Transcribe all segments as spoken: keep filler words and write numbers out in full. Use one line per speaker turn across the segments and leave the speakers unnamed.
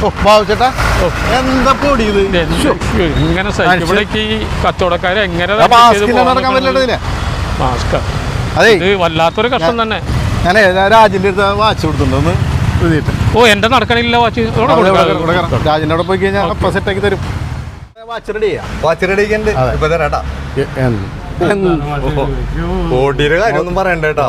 ബാബുച്ചേട്ടാ എന്താ പൊടി ഇത്
ഇങ്ങനെ സൈക്കിളിലേക്ക് കച്ചവടക്കാരെ എങ്ങനെ
നടക്കാൻ പറ്റില്ല.
അതെ ഇത് വല്ലാത്തൊരു കഷ്ടം തന്നെ.
ഞാനേ രാജിന്റെ അടുത്ത് വാച്ച് കൊടുത്തിട്ടുണ്ടെന്ന് എഴുതിയിട്ട്.
ഓ എന്റെ നടക്കണില്ല വാച്ച്.
രാജിന്റെ അവിടെ പോയി കഴിഞ്ഞാൽ അപ്പൊ സെറ്റാക്കി തരും. വാച്ച് റെഡി ചെയ്യാം.
വാച്ച് റെഡി ഇപ്പൊ തരാട്ടാ. ഓടിയുടെ കാര്യമൊന്നും പറയണ്ടേട്ടാ.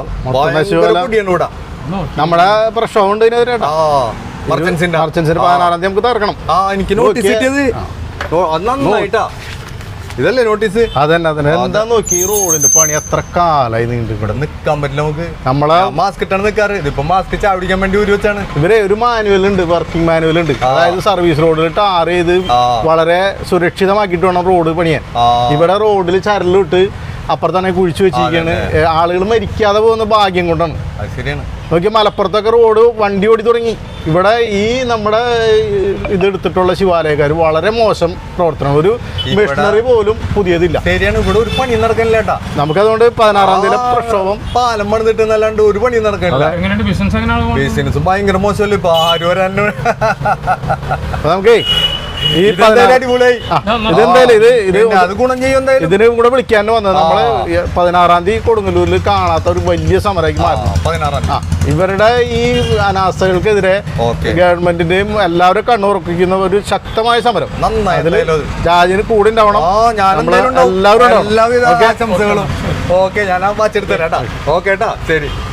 നമ്മുടെ പ്രശ്നം ഉണ്ട്
മർച്ചൻസിന്റെ
മർച്ചൻസിന്റെ പതിനാറാം തീയതി നമുക്ക് തീർക്കണം.
ആ എനിക്ക് നോട്ടീസ് കിട്ടിയത് നന്നായിട്ടാ. ഇതല്ലേ നോട്ടീസ്?
അതന്നെ അതന്നെ. എന്താ നോക്കി ഈ റോഡിന്റെ പണി എത്ര കാലായി നീണ്ടു.
ഇവിടെ നിക്കാൻ പറ്റില്ല നമുക്ക്.
നമ്മളെ
മാസ്ക് ഇട്ടാണ് നിക്കാറ്. ഇതിപ്പോ മാസ്ക് ചാടിക്കാൻ വേണ്ടി ഊരി വെച്ചാണ്.
ഇവരെ ഒരു മാനുവൽ ഉണ്ട്, വർക്കിംഗ് മാനുവൽ ഉണ്ട്. അതായത് സർവീസ് റോഡിൽ ടാർ ചെയ്ത് വളരെ സുരക്ഷിതമാക്കിയിട്ട് വേണം റോഡ് പണിയാൻ. ഇവിടെ റോഡിൽ ചരലിട്ട് അപ്പുറത്തന്നെ കുഴിച്ചു വെച്ചിരിക്കുകയാണ്. ആളുകൾ മരിക്കാതെ പോകുന്ന ഭാഗ്യം കൊണ്ടാണ്.
ശരിയാണ്.
നോക്കി മലപ്പുറത്തൊക്കെ റോഡ് വണ്ടി ഓടി തുടങ്ങി. ഇവിടെ ഈ നമ്മുടെ ഇതെടുത്തിട്ടുള്ള ശിവാലയക്കാർ വളരെ മോശം പ്രവർത്തനം. ഒരു മെഷീനറി പോലും പുതിയതില്ല.
ശരിയാണ്. ഇവിടെ ഒരു പണി നടക്കാനില്ലേട്ടാ.
നമുക്കതുകൊണ്ട് പതിനാറാം തീയതി പ്രക്ഷോഭം
പാലം പണിതിട്ട് എന്നല്ലാണ്ട് ഒരു പണി നടക്കാനില്ല. ബിസിനസ് ഭയങ്കര മോശമല്ലേ ഇപ്പൊ ആരും വരാൻ.
നമുക്കേ ഈ ഇതിന് കൂടെ വിളിക്കാൻ വന്നത് നമ്മള് പതിനാറാം തീയതി കൊടുങ്ങല്ലൂരിൽ കാണാത്ത ഒരു വലിയ സമരമാക്കി മാറ്റി. ഇവരുടെ ഈ അനാസ്ഥകൾക്കെതിരെ ഗവൺമെന്റിന്റെയും എല്ലാവരും കണ്ണുറപ്പിക്കുന്ന ഒരു ശക്തമായ സമരം. അതിൽ രാജിന് കൂടെ ഉണ്ടാവണം.
എല്ലാവരും ആശംസകളും. ഓക്കെ ഞാൻ ആ വാച്ച് എടുത്തരാട്ടാ. ഓക്കെ ട്ടാ ശരി.